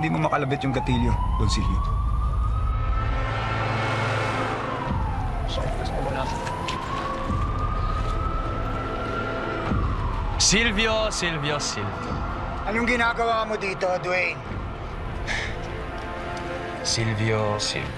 hindi mo makalabit yung gatilyo, Don Silvio. Silvio. Anong ginagawa mo dito, Dwayne? Silvio.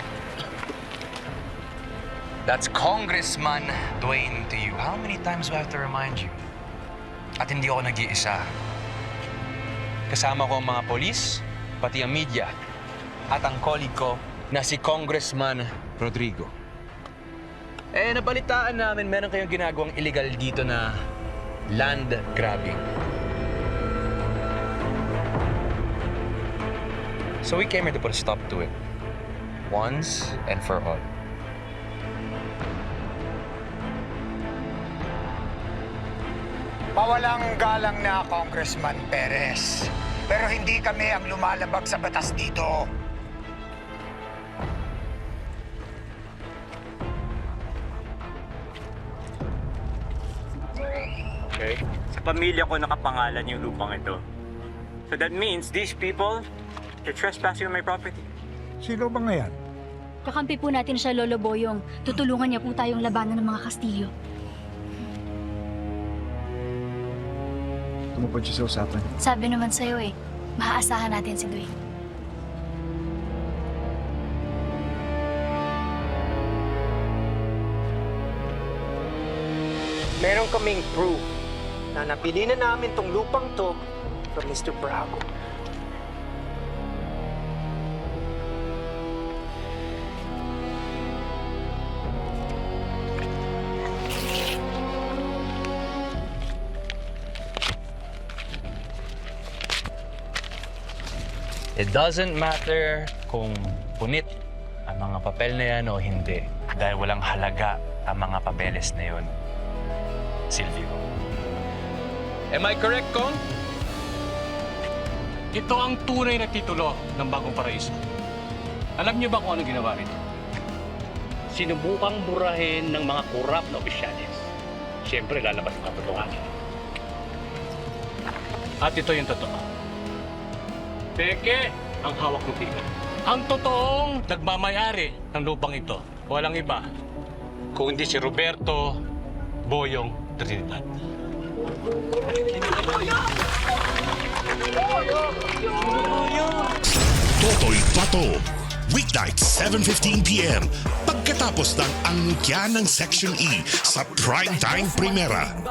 That's Congressman Dwayne to you. How many times do I have to remind you? At hindi ako nag-iisa. Kasama ko ang mga polis, pati ang media, at ang colleague ko na si Congressman Rodrigo. Nabalitaan namin meron kayong ginagawang illegal dito na land grabbing. So we came here to put a stop to it. Once and for all. Mawalang galang na, Congressman Perez. Pero hindi kami ang lumalabag sa batas dito. Okay? Sa pamilya ko nakapangalan yung lupang ito. So that means these people, they're trespassing on my property. Sino ba nga yan? Kakampi po natin siya, Lolo Boyong. Tutulungan niya po tayong labanan ng mga Kastilyo. Tumupad siya sa usapan. Sabi naman sa'yo maaasahan natin si Dwayne. Meron kaming proof na nabili na namin tong lupang to from Mr. Bravo. It doesn't matter kung punit ang mga papel na yan o hindi. Dahil walang halaga ang mga papeles na yun, Silvio. Am I correct, Kong? Ito ang tunay na titulo ng Bagong Paraiso. Alam niyo ba kung ano ginawa rito? Sinubukang burahin ng mga korap na opisyalis. Siyempre, lalabas ang katotohanan. At ito yung totoo. Peke ang hawak ng pika. Ang totoong nagmamayari ng lupang ito, walang iba, kung hindi si Roberto Boyong Trinidad. Totoy Pato. Weeknight, 7:15 p.m. Pagkatapos ng angkya ng Section E sa Primetime Primera.